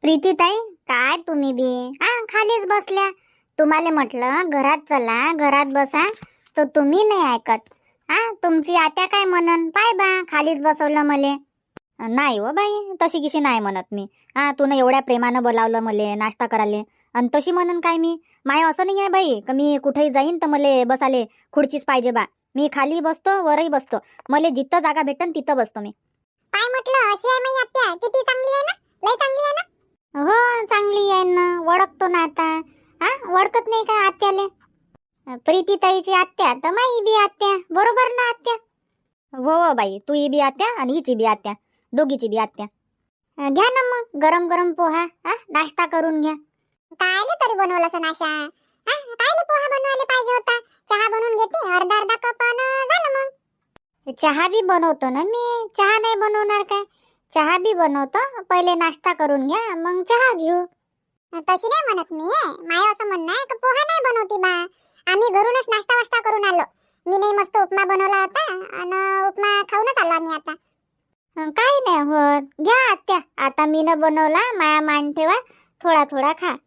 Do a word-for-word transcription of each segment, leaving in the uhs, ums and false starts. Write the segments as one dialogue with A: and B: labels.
A: प्रीतीताई, काय तुम्ही बी हा खालीच बसल्या. तुम्हाला म्हटलं घरात चला, घरात बसा, तर तुम्ही नाही ऐकत. हा तुमची आत्या काय म्हणन पाय बा, खालीच बसवलं मले. नाही हो बाई, तशी किशी नाही म्हणत मी. हा तू एवढ्या प्रेमानं बोलावलं मले नाश्ता करायला, आणि तशी म्हणन काय मी? माय असं नाही आहे बाई का मी कुठेही जाईन तर मले बसाले खुर्चीच पाहिजे बा. मी खाली बसतो, वरही बसतो, मले जिथं जागा भेटन तिथं बसतो मी.
B: काय म्हटलं? अशी आहे माई आत्या, किती चांगली आहे ना, लय चांगली आहे ना.
A: हो चांगली आहे ना, ओळखतो ना आता. हा ओळखत नाही का आत्याले? प्रीतीताईची आत्या तर माई बी आत्या, बरोबर ना आत्या? हो हो बाई, तू बी आत्या आणि हिची बी आत्या, दोघीची बी आत्या. घ्या ना मग गरम गरम पोहा, हा नाश्ता करून घ्या.
B: कायले तरी बनवलं असं नाशा? हा कायले पोहा बनवायला पाहिजे होता? चहा बनवून घेते अर्धा अर्धा कप आणि झालं मग.
A: चहा बी बनवतो ना मी, चहा नाही बनवणार काय? चहा बी बनवतो, पहिले नाश्ता करून घ्या मग चहा घेऊ.
B: तशी नाही म्हणत मी, माय असं म्हणणं आहे की पोहा नाही बनवती बा. आम्ही घरूनच नाश्ता वास्ता करून आलो. मी नाही मस्त उपमा बनवला होता आणि उपमा खाऊनच आलो आम्ही आता.
A: काही नाही होत, घ्या आत्या, आता मी न बनवला, माया मान ठेवा, थोडा थोडा खा.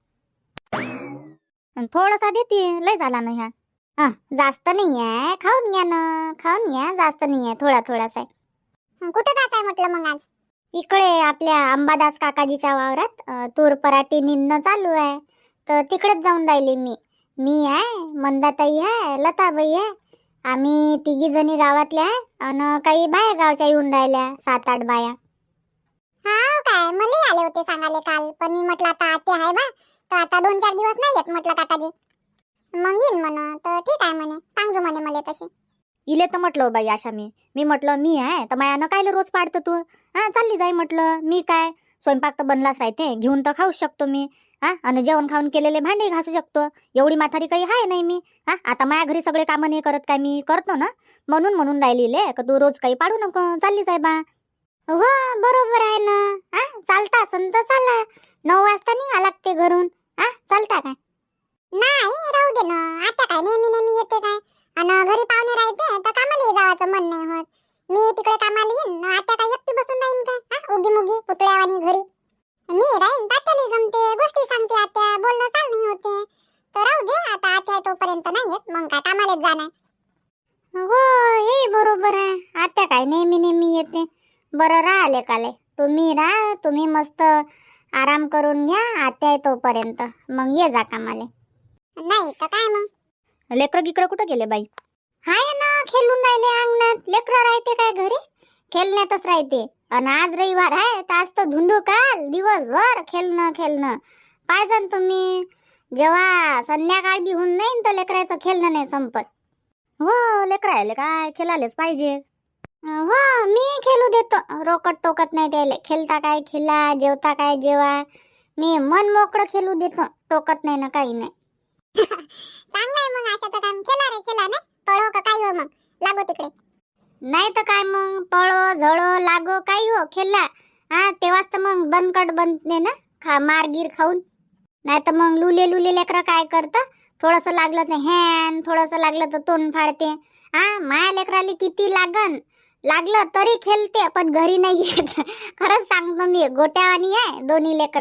A: थोडासा देते, लय झाला ना ह्या. हा जास्त नाही आहे, खाऊन घ्या ना, खाऊन घ्या, जास्त नाही आहे, थोडा थोडासा आहे.
B: कुठं जायचंय म्हटलं मग आज?
A: इकडे आपल्या अंबादास काकाजीच्या वावरात अ, तूर पराठी निंदणं चालू आहे, तर तिकडेच जाऊन राहिली मी. मी आहे, मंदाताई आहे, लताबाई आहे, आम्ही तिघी जणी गावातल्या आहे, आणि काही बाहेर गावच्या येऊन राहिल्या, सात आठ बाया.
B: हा काय, मला आले होते सांगाले काल, पण मी म्हटलं आता आत्या आहे बा, तर आता दोन चार दिवस नाही येत म्हटलं काकाजी. मग येईन म्हण, तर ठीक आहे म्हणे, सांगजो म्हणे मला तशी.
A: इले तर म्हटलं बाई आशा, मी मी म्हटलं मी आहे तर मायानं कायले रोज पाडतं तू? हा चालली जाई म्हटलं, मी काय स्वयंपाक तर बनलाच राहते, घेऊन तर खाऊच शकतो मी. हा आणि जेवण खाऊन केलेले भांडे घासू शकतो, एवढी म्हातारी काही आहे नाही मी. हा आता माझ्या घरी सगळे कामं नाही करत काय, मी करतो ना, म्हणून म्हणून राहिलेले का तू रोज काही पाडू नको, चालली जाय बा. हो बरोबर आहे ना. हा चालता असन तर चाला, नऊ वाजता निघा लागते घरून. हा चालता काय?
B: नाही राहू दे ना, आता काय नेहमी नेहमी येते काय, आणि घरी पाहुणे राहते तर कामाला जावाचं मन नाही होत. मी तिकडे कामाला येईन, आता काय एकटी बसून राहीन काय? हा उगी मुगी पुतळ्यावानी घरी मी राहीन, तात्याला गमते, गोष्टी सांगते आत्या, बोलणं चाल नाही होते. तर राहू दे, आता आत्या तोपर्यंत नाही येत, मग काय कामालाच जाणार.
A: हो हे बरोबर आहे, आता काय नेहमी नेहमी येते. बरं राहिले काले, तुम्ही राहा, तुम्ही मस्त आराम करून घ्या, आत्या तोपर्यंत मग ये जा कामाले.
B: नाही तर काय मग?
A: लेकरं गिकरं कुठं गेले बाई? हाय ना, खेळून राहिले अंगणात. लेकरं राहते काय घरी, खेळण्यातच राहते. आणि आज रविवार आहे तर आज तर धुंदू काल दिवसभर खेळणं खेळणं. पाहिजे तुम्ही, जेव्हा संध्याकाळ बी होऊन नाही तर लेकराचं खेळणं नाही संपत. हो लेकरायले काय खेळायलाच पाहिजे. हो मी खेळू देतो, रोकट टोकत नाही त्याले. खेळता काय खेळा, जेवता काय जेवा, मी मन मोकळं खेळू देतो, टोकत नाही ना काही नाही.
B: चांगलं आहे मग, अशाचं काम केला रे केला नाही, पळो का काय हो मग, लागो तिकडे.
A: नाही तर काय मग, पळो झळो लागो काही हो, खेळला हा तेव्हाच तर मग दणकट बनते ना, खा मारगीर खाऊन. नाही तर मग लुले लुले लेकरं काय करतं, थोडंसं लागलं तर हॅन, थोडंसं लागलं तर तोंड फाडते. हा माया लेकराला किती लागन लागलं तरी खेळते, पण घरी नाही येत. खरंच सांगतो मी, गोट्यावानी आहे दोन्ही लेकरं.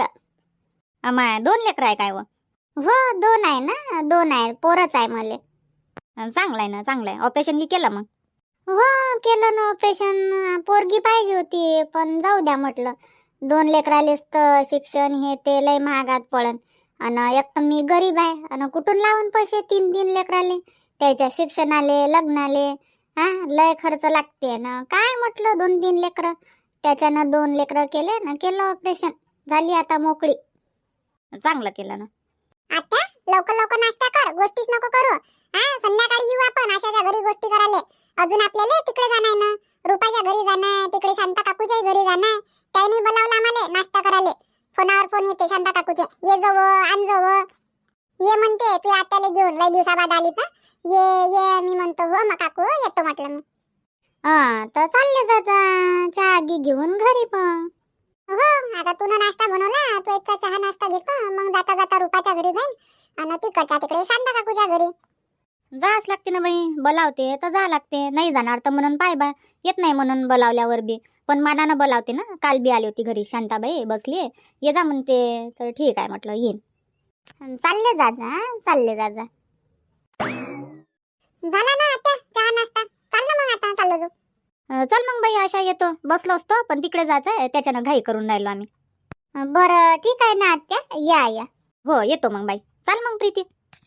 A: अमाय दोन लेकरं आहे काय? हो दोन आहे ना, दोन आहे, पोरच आहे मले. चांगलं आहे ना, चांगलं आहे. ऑपरेशन की केलं मग? हो केलं ना ऑपरेशन, पोरगी पाहिजे होती पण जाऊ द्या म्हटलं, दोन लेकरालेच तर शिक्षण हे ते लय महागात पडन, आणि एक तर मी गरीब आहे, आणि कुठून लावून पैसे तीन तीन लेकराले, त्याच्या शिक्षणाले लग्नाले. हा लय खर्च लागते ना, काय म्हटलं दोन तीन लेकरं, त्याच्यानं दोन लेकरं केले ना, केलं ऑपरेशन, झाली आता मोकळी. चांगलं केलं ना.
B: आत्या लवकर लवकर नाश्ता कर, गोष्टीच नको करू. हा संध्याकाळी येऊ आपण आशाच्या घरी गोष्टी करायला. अजून आपल्याला तिकडे जाणार ना, रुपाच्या घरी जाणार, तिकडे शांता काकूच्या घरी जाणार. त्याने बोलावलं आम्हाला नाश्ता करायला, फोनावर फोन येते शांता काकूचे, ये जव आण जव, ये म्हणते तू आत्याला घेऊन, लय दिवसाबाद आली तर ये ये. मी म्हणतो हो मग काकू येतो म्हटलं मी.
A: हा तर चालले जाता चहा गी घेऊन घरी. पण
B: हो आता तू नाश्ता बनवला, तू इतका चहा नाश्ता घेतो, मग जाता जाता रुपाच्या घरी जाईन, आणि तिकडच्या तिकडे शांता काकूच्या घरी.
A: जाच लागते ना बाई, बोलावते तर जा लागते, नाही जाणार तर म्हणून पाय बा, येत नाही म्हणून बोलावल्यावर बी. पण मानानं बोलावते ना. काल बी आली होती घरी, शांताबाई बसली, ये जा म्हणते. तर ठीक आहे म्हटलं येईन. चालले जा जा, हं, चालले जा जा.
B: झाला ना आत्या चहा नाश्ता? चाल ना मग आता चाललो जाऊ.
A: अं, चल मग बाई, आशा येतो. बसलो असतो पण तिकडे जायचं आहे, त्याच्यानं घाई करून राहिलो आम्ही.
B: अं, बरं ठीक आहे ना आत्या, या या.
A: हो येतो मग बाई. चाल मग प्रीती.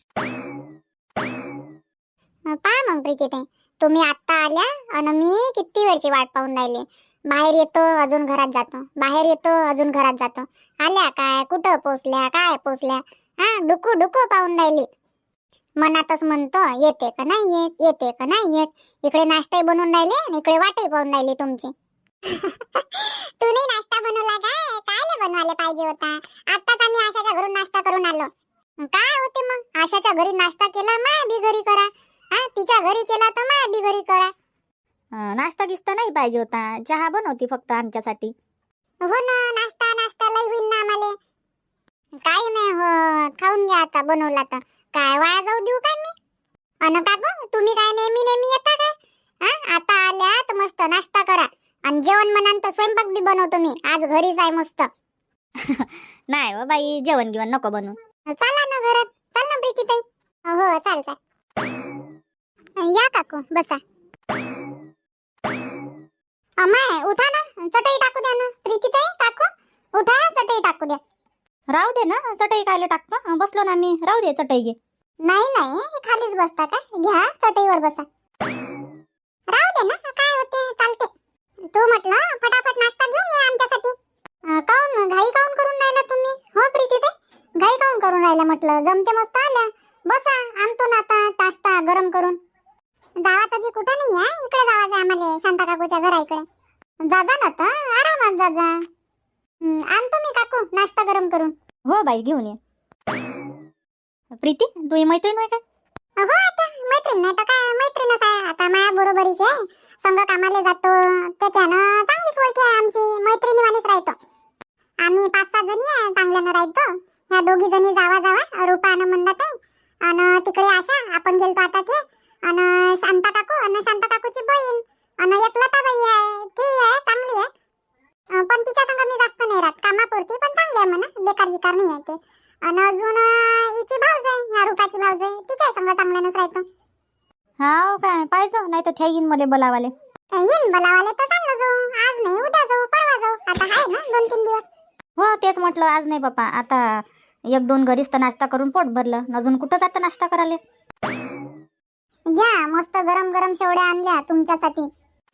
B: अं, पहा मग प्रीती ताई, तुम्ही आत्ता आल्या आणि मी किती वेळची वाट पाहून राहिले. बाहेर येतो अजून घरात जातो, बाहेर येतो अजून घरात जातो. आल्या काय, कुठं पोचल्या, काय पोचल्या, हा डुकू डुकू पाहून राहिली. मनातच म्हणतो येते का नाही येत, येते का नाही येत. इकडे नाश्ताही बनवून राहिले आणि इकडे वाटही पाहून राहिली तुमची. तू नाही नाश्ता बनवला काय? कायले बनवायला पाहिजे होता. आत्ताच आम्ही आशाच्या घरून नाश्ता करून आलो. काय होते मग, आशाच्या घरी नाश्ता केला मा बी घरी करा, हा तिच्या घरी केला तर मा बी घरी करा.
A: अं, नाश्ता गिस्ता नाही पाहिजे होता, चहा बनवती फक्त आमच्यासाठी.
B: हो ना, नाश्ता नाश्ता लई होईन ना आम्हाला. काही नाही हो, खाऊन घ्या आता बनवला तर. काय वाया जाऊ देऊ काय मी? अन काकू तुम्ही काय नेहमी नेहमी येता काय? हा आता आल्या तर मस्त नाश्ता करा आणि जेवण म्हणान तर स्वयंपाक बी बनवतो मी. आज घरीच आहे मस्त.
A: नाही हो बाई, जेवण गिवण नको बनवू.
B: चला ना घरात, चल ना प्रीती ताई. हो चाल चाल. या काकू बसा. अमाय उठा ना, चटई टाकू द्या ना. प्रीती ताई काकू उठा, चटई टाकू द्या.
A: राहू दे ना, चटई कायले टाकतो, बसलो ना मी. राहू दे चटई घे.
B: नाही नाही, खालीच बसता काय? घ्या चटईवर बसा. राहू दे ना, काय होते, चालते. तू म्हटलं फटाफट नाश्ता घेऊन ये आमच्यासाठी. अं, काऊन घाई काऊन करून राहिला तुम्ही? हो प्रीती ताई, घाई काऊन करून राहिला म्हटलं? जमते मस्त आल्या, बसा. आणतो ना आता नाश्ता गरम करून. जावाचं बी कुठं नाही आहे, इकडे जावाचं आहे आम्हाला, शांता काकूच्या घरा इकडे. जा जा ना तर, आरामात जा जा. हं, आणतो मी काकू नाश्ता गरम करून.
A: हो बाई घेऊन ये. प्रीती तू ही मैत्रीण आहे काय?
B: हो आता मैत्रीण नाही तर काय, मैत्रीणच आहे आता माया बरोबरीचे. संग कामाला जातो त्याच्यानं चांगलीच ओळखी आहे आमची, मैत्रिणी वाणीच राहतो आम्ही. पाच सहा जणी आहे, चांगल्यानं राहतो. ह्या दोघी जणी जावा जावा, रूपा आणि मंदात आहे. आणि तिकडे आशा, आपण गेलतो आता ते. आणि शांता काकू आणि शांता काकूची बहीण आणि एक लताबाई आहे, ती आहे चांगली आहे. अं, पण तिच्या संग मी जास्त नाही राहत, कामापुरती. पण चांगली आहे म्हणा, बेकार बिकार नाही आहे ते. आणि अजून अं, हिची भाऊज आहे, ह्या रूपाची भाऊज आहे, तिच्या संग चांगल्यानंच राहतो.
A: हा काय पाहिजे, नाही तर थ्या मध्ये बोलावाले.
B: येईन बोलावाले तर चाललो जाऊ. आज नाही उद्या जाऊ, परवा जाऊ. आता आहे ना दोन तीन दिवस.
A: हो तेच म्हटलं, आज नाही बापा. आता एक दोन घरीच तर नाश्ता करून पोट भरलं, अजून कुठं जातं नाश्ता करायला.
B: घ्या मस्त गरम गरम शेवड्या आणल्या तुमच्यासाठी.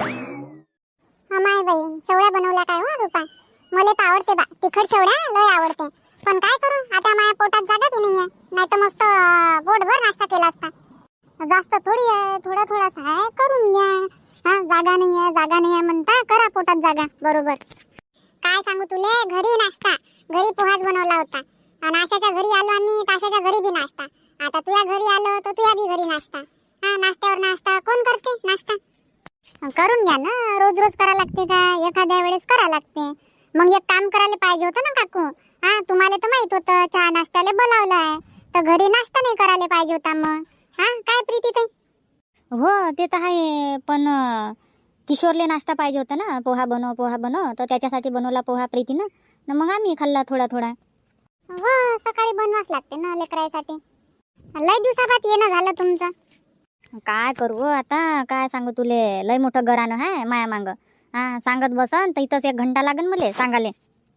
B: माय बाई शेवड्या बनवल्या काय हो रूपा? मला तर आवडते बा, तिखट शेवड्या लय आवडते. पण काय करू आता, माझ्या पोटात जागा बी नाहीये, नाही तर मस्त पोटभर नाश्ता केला असता. जास्त थोडी आहे, थोडा थोडासा आहे, करून घ्या. हा जागा नाही आहे, जागा नाही आहे म्हणता, करा पोटात जागा बरोबर. काय सांगू तुले, घरी नाश्ता, घरी पोहाच बनवला होता. आणि आशाच्या घरी आलो आम्ही, आशाच्या घरी बी नाश्ता. आता तुझ्या घरी आलो तर तुझ्या बी घरी नाश्ता. हा नाश्त्यावर नाश्ता कोण करते नाश्ता? करून घ्या ना, रोज रोज करा लागते का? एखाद्या वेळेस करा लागते. मग एक काम करायला पाहिजे होतं ना काकू. हा तुम्हाला तर माहित होतं चहा नाश्त्याला बोलावलं आहे, तर घरी नाश्ता नाही करायला पाहिजे होता मग. हा काय प्रीती ताई?
A: हो ते तर आहे, पण अं, किशोरले नाश्ता पाहिजे होता ना, पोहा बनव पोहा बनव, तर त्याच्यासाठी बनवला पोहा प्रीतीनं. न मग आम्ही खाल्ला थोडा थोडा.
B: हो सकाळी बनवाच लागते ना लेकरासाठी. लय दिवसाबाद येणं झालं तुमचं.
A: काय करू आता, काय सांगू तुले, लय मोठं घरानं आहे माया मांग. हा सांगत बसन तर इथंच एक घंटा लागन मले सांगाले.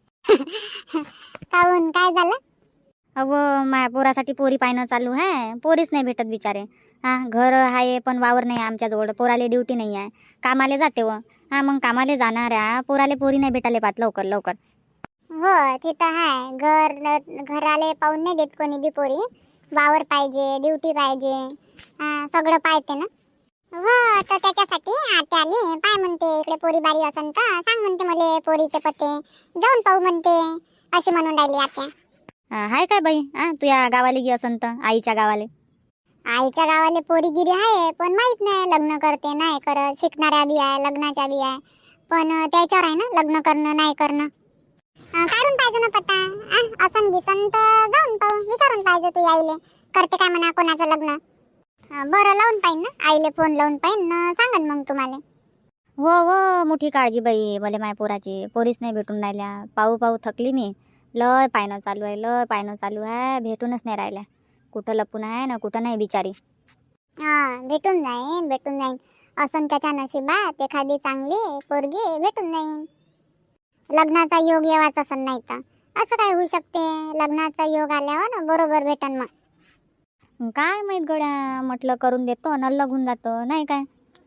B: काहून काय झालं?
A: अगो माया पोरासाठी पोरी पाहणं चालू आहे, पोरीच नाही भेटत बिचारे. हा घर आहे पण वावर नाही आमच्याजवळ, पोराले ड्युटी नाही आहे, कामाले जाते व. हा मग कामाले जाणाऱ्या पोराले पोरी नाही भेटाले पाहत लवकर लवकर.
B: हो तिथं आहे, घर घराले पाहून नाही देत कोणी बी पोरी. वावर पाहिजे, ड्युटी पाहिजे, हा सगळं पाहिजे ना. हो तर त्याच्यासाठी आत्या आली, पाय म्हणते इकडे पोरी बारी असन तर सांग म्हणते मले पोरीचे पत्ते, जाऊन पाहू म्हणते, अशी म्हणून राहिली आत्या.
A: हा, हाय काय बाई, हा तू या गावाले गे असन तर आईच्या गावाले.
B: आईच्या गावाले पोरीगिरी आहे, पण माहित नाही लग्न करते नाही करत. शिकणाऱ्या बी आहे, लग्नाच्या बी आहे, पण त्याच्यावर आहे ना लग्न करणं नाही करणं. अं, काढून पाहिजे ना पत्ता. आ, असन गिसन तर जाऊन पाहू, विचारून पाहिजे तू आईले करते काय म्हणा कोणाचं लग्न. अं, बरं लावून पाहिन ना आईले, फोन लावून पाहिन ना, सांगन मग तुम्हाला.
A: हो हो मोठी काळजी बाई भले माय पोराची. पोरीच नाही भेटून राहिल्या. पाहू पाहू थकली मी. लय पायनं चालू आहे, लय पायनं चालू आहे. भेटूनच नाही राहिल्या. कुठं लपून आहे ना कुठं नाही बिचारी.
B: हा भेटून जाईन भेटून जाईन. असं त्याच्या नशिबात एखादी चांगली पोरगी भेटून जाईन. लग्नाचा योग येवाच असं नाही तर असं काय होऊ शकते. लग्नाचा योग आल्यावर बरोबर भेटन मग.
A: काय माहित गड्या, म्हटलं करून देतो न लगून जातो नाही काय.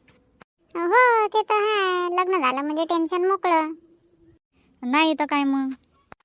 B: हो ते तर आहे. लग्न झालं म्हणजे टेन्शन मोकळं.
A: नाही तर काय मग.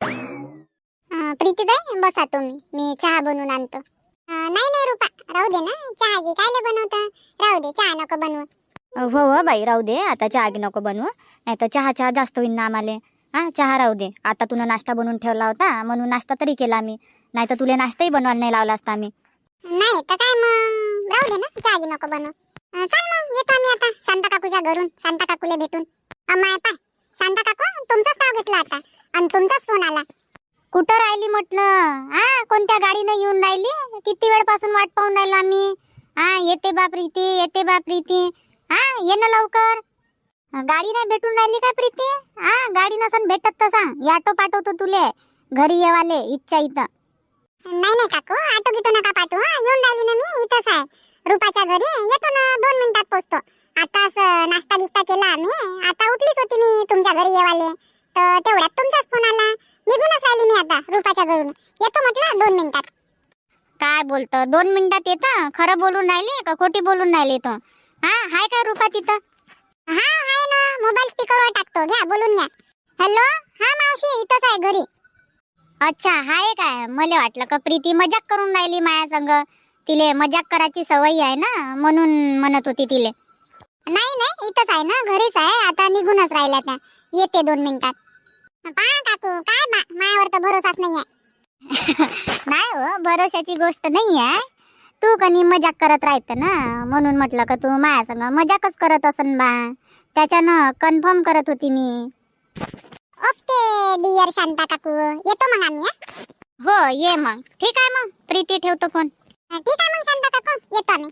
B: प्रीतीताई बसा तुम्ही, मी चहा बनवून आणतो. अं, नाही नाही रुपा राहू दे ना. चहा घे कायले बनवता. राहू दे चहा नको बनवू.
A: हो हो बाई राहू दे. आता चहा गी नको बनवू. नाही तर चहा चहा जास्त होईन ना आम्हाला. हा चहा राहू दे. आता तुला नाश्ता बनवून ठेवला होता म्हणून नाश्ता तरी केला मी. नाही तर तुला नाश्ताही बनवायला नाही लावला असता आम्ही.
B: नाही तर काय मग राहू दे ना. चहा घे नको बनवू. अं, चल मग येतो आम्ही आता शांता काकूच्या घरून. शांता काकूला भेटून. अम्माय पाय शांता काकू तुमचंच नाव घेतलं आता आणि तुमचाच फोन आला.
A: कुठं राहिली म्हटलं. हा कोणत्या गाडीनं येऊन राहिली. किती वेळपासून वाट पाहून राहिलो आम्ही. हा येते बा प्रीती, येते बा प्रीती. हा ये ना लवकर. गाडी नाही भेटून राहिली काय प्रीती. हा गाडी नसन भेटत तर सांग. ऑटो पाठवतो तुले घरी येवाले इच्छा इथं.
B: नाही नाही काकू ऑटो गिटो नका पाठवू. हा येऊन राहिली ना मी इथंच आहे रुपाच्या घरी. येतो ना दोन मिनिटात पोहोचतो. आताच नाश्ता बिस्ता केला आम्ही. आता उठलीच होती मी तुमच्या घरी येवाले तर तेवढ्यात तुमचाच फोन आला. निघूनच राहिली मी आता रुपाच्या घरून. येतो म्हटलं दोन मिनिटात.
A: काय बोलतं दोन मिनिटात येतं. खरं बोलून राहिली का खोटी बोलून राहिली तो. हा हाय काय रुपा तिथं.
B: हा आहे ना. मोबाईल स्पीकरवर टाकतो घ्या बोलून घ्या. हॅलो हा मावशी इथंच आहे घरी.
A: अच्छा हाय काय. मला वाटलं का प्रीती मजाक करून राहिली माया संग. तिले मजाक करायची सवय आहे ना म्हणून म्हणत होती तिले.
B: नाही नाही इथंच आहे ना घरीच आहे. आता निघूनच राहिल्या त्या. येते दोन मिनिटात. पा काकू काय बा मायावर तर भरोसाच नाही आहे.
A: नाही हो भरोशाची गोष्ट नाही आहे. तू कनी मजाक करत राहत ना म्हणून म्हटलं का तू माया संग मजाकच करत असन बा. त्याच्यानं कन्फर्म करत होती मी.
B: ओके डिअर शांता काकू येतो मग आम्ही.
A: हो ये मग. ठीक आहे मग प्रीती ठेवतो फोन.
B: हा? ठीक आहे मग शांता काकू येतो आम्ही.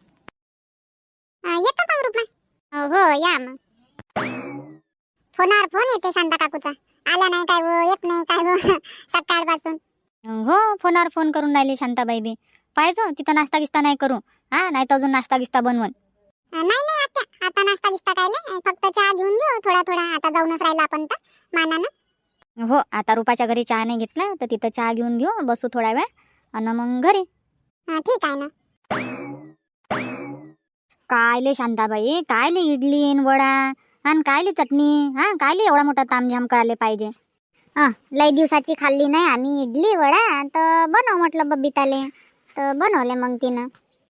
B: अं, येतो मग रुपा.
A: हो या मग.
B: फोनावर फोन येते शांता काकूचा. आला नाही काय हो येत नाही काय हो सकाळपासून.
A: हो फोनावर फोन करून राहिली शांताबाई बी. पाहिजो तिथं नाश्ता गिस्ता नाही करू. हा नाही तर अजून नाश्ता गिस्ता बनवून.
B: अं, नाही नाही आत्या आता नाश्ता गिस्ता कायले. फक्त चहा घेऊन घेऊ थोडा थोडा. आता जाऊनच राहिला आपण तर मानानं.
A: हो आता रुपाच्या घरी चहा नाही घेतला तर तिथं चहा घेऊन घेऊ बसू थोडा वेळ आणि मग घरी.
B: हा, ठीक आहे ना.
A: कायले शांताबाई कायले इडली आणि वडा आणि कायले चटणी. हा कायले एवढा मोठा तामझाम करायला पाहिजे. हा लई दिवसाची खाल्ली नाही आम्ही इडली वडा तर बनव म्हटलं बबिताले तर बनवले मग तिनं.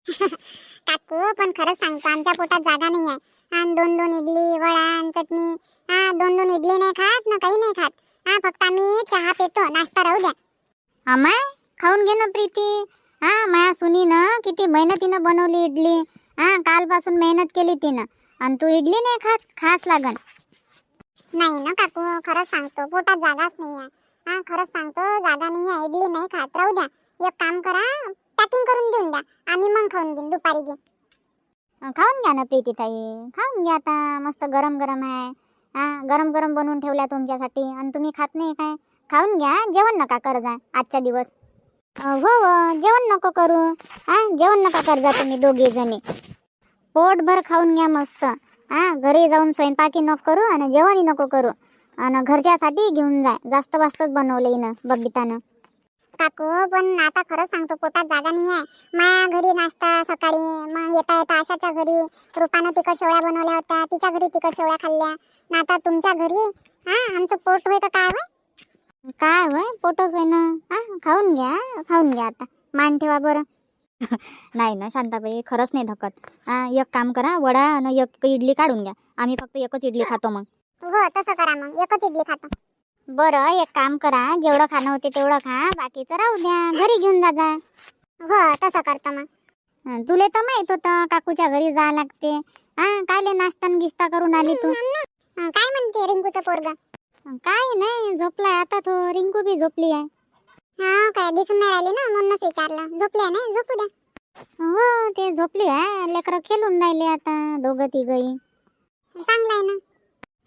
B: काकू पण खरंच सांगतो आमच्या पोटात जागा नाही आहे. आणि दोन दोन इडली वडा आणि चटणी. हा दोन दोन इडली नाही खात ना काही नाही खात. हा फक्त आम्ही चहा पितो. नाश्ता राहू द्या.
A: अमाय खाऊन घे ना प्रीती. हा माया सुनीनं किती मेहनतीनं बनवली इडली. हा कालपासून मेहनत केली तिनं आणि तू इडली नाही खात. खास लागन.
B: नाही ना काकू खरंच सांगतो पोटात जागाच नाही आहे. हा खरंच सांगतो जागा नाही आहे. इडली नाही खात राहू द्या. एक काम करा पॅकिंग करून देऊन द्या. आम्ही मग खाऊन घेईन दुपारी घे.
A: खाऊन घ्या ना प्रीती ताई. खाऊन घ्या आता मस्त गरम गरम आहे. हा गरम गरम बनवून ठेवल्या तुमच्यासाठी आणि तुम्ही खात नाही काय. खाऊन घ्या. जेवण नका करजा आजच्या दिवस. हो हो जेवण नको करू. हा जेवण नका करजा तुम्ही दोघे जणी. पोटभर खाऊन घ्या मस्त. हा घरी जाऊन स्वयंपाकी नको करू आणि जेवणही नको करू. आणि घरच्यासाठी घेऊन जा. जास्त वास्तच बनवले ना बबितानं.
B: काकू पण आता खरंच सांगतो पोटात जागा नाही आहे. माया घरी नाश्ता सकाळी मग येता येता आशाच्या घरी रुपानं तिखट शेवळ्या बनवल्या होत्या. तिच्या घरी तिखट शेवळ्या खाल्ल्या. ना आता तुमच्या घरी. हा आमचं पोट होय का काय होय.
A: काय होय पोटच होय ना. हा खाऊन घ्या खाऊन घ्या आता. मान ठेवा बरं. नाही ना शांताबाई खरंच नाही धकत. हा एक काम करा वडा आणि एक इडली काढून घ्या. आम्ही फक्त एकच इडली खातो मग.
B: हो तसं करा मग एकच इडली खातो.
A: बरं एक काम करा जेवढं खाणं होते तेवढं खा. बाकीचं राहू द्या घरी घेऊन जा जा.
B: हो तसं करतो मग.
A: हं, तुले तर माहित होतं काकूच्या घरी जा लागते. हा कायले नाश्ता न गिस्ता करून आली तू.
B: हं, काय म्हणते रिंकूचं पोरग.
A: काय नाही झोपलाय आता तो. रिंकू बी झोपली आहे.
B: हा काय दिसून नाही राहिली ना म्हणूनच विचारलं. झोपली आहे नाही झोपू द्या.
A: हो ते झोपली आहे. लेकरं खेळून राहिले आता दोघं तिघही.
B: चांगलं आहे ना.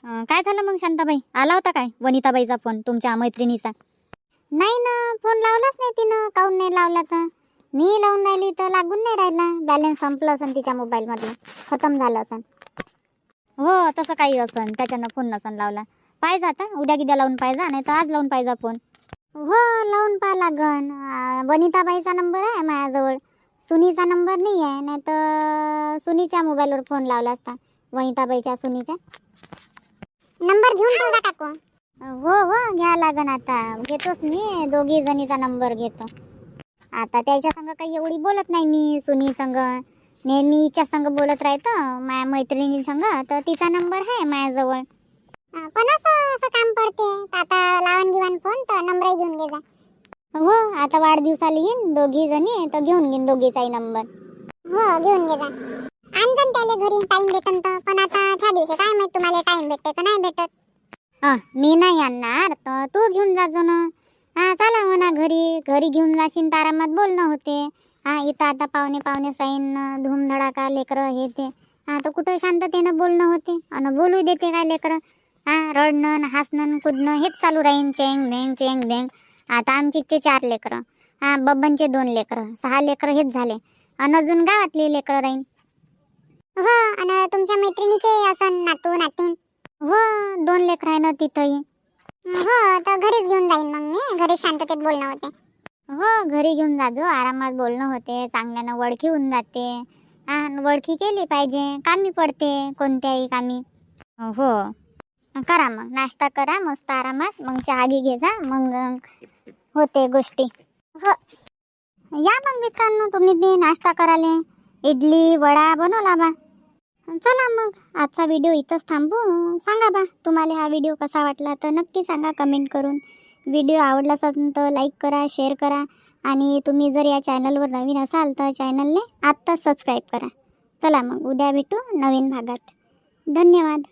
A: अं, काय झालं मग शांताबाई, आला होता काय वनिताबाईचा फोन तुमच्या मैत्रिणीचा? नाही ना, फोन लावलाच नाही तिनं. काऊन नाही लावला तर मी लावून राहिली तर लागून नाही राहिला. बॅलन्स संपलं असन तिच्या मोबाईलमधलं, खतम झालं असन. हो तसं काही असन, त्याच्यानं फोन नसन लावला. पाहिजे आता उद्या गिद्या लावून पाहिजे, नाही तर आज लावून पाहिजे फोन. हो लावून पहा लागन. अं, वनिताबाईचा नंबर आहे माझ्याजवळ, सुनीचा नंबर नाही आहे. नाही तर सुनीच्या मोबाईलवर फोन लावला असता, वनिताबाईच्या सुनीच्या.
B: नंबर घेऊन ठेवला काकू.
A: हो हो घ्या लागन, आता घेतोच मी. दोघी जणीचा नंबर घेतो. आता त्याच्या संग काही एवढी बोलत नाही मी. सुनी संग नेहमी हिच्या संग बोलत राहतो, माझ्या मैत्रिणी संग. तर तिचा नंबर आहे माझ्याजवळ.
B: अं, पण असं असं काम पडते तर आता लावून घेऊन फोन तर नंबर घेऊन घे जा.
A: हो आता वाढदिवसाला येईन दोघी जणी, तर घेऊन घेईन दोघीचाही नंबर.
B: हो घेऊन घे जा. आणजन त्याले घरी टाइम भेटन तर. पण आता त्या दिवशी काय माहित तुम्हाला टाइम भेटते का नाही भेटत.
A: हा मी नाही आणणार तर तू घेऊन जाजो ना. हा चला म्हणा घरी, घरी घेऊन जाशील तर आरामात बोलणं होते. हा इथं आता पाहुणे पाहुणेच राहीन, धूमधडाका लेकरं हे ते. हा तर कुठं शांततेनं बोलणं होते आणि बोलू देते काय लेकरं. हा रडणं हसणं कुदणं हेच चालू राहीन, चेंग भेंग चेंग भेंग. आता आमचीचे चार लेकरं, हा बब्बनचे दोन लेकरं, सहा लेकरं हेच झाले. आणि अजून गावातली लेकरं राहीन.
B: हो आणि तुमच्या मैत्रिणीचे असं नातू नातीन.
A: हो दोन लेकरं आहे ना तिथंही.
B: हो तर घरीच घेऊन जाईन मग मी. घरी शांततेत बोलणं होते.
A: हो घरी घेऊन जाजो, आरामात बोलणं होते, चांगल्यानं ओळखी होऊन जाते. हा ओळखी केली पाहिजे, कामी पडते कोणत्याही कामी. हो करा मग नाश्ता करा मस्त आरामात, मग चहा घे घे जा, मग होते गोष्टी.
B: हो
A: या मग मित्रांनो तुम्ही बी नाश्ता कराले. इडली वडा बनवला बा. चला मग आजचा व्हिडिओ इथंच थांबू. सांगा बा तुम्हाला हा व्हिडिओ कसा वाटला तर नक्की सांगा कमेंट करून. व्हिडिओ आवडला असेल तर लाईक करा, शेअर करा. आणि तुम्ही जर या चॅनलवर नवीन असाल तर चॅनलने आत्ताच सबस्क्राईब करा. चला मग उद्या भेटू नवीन भागात. धन्यवाद.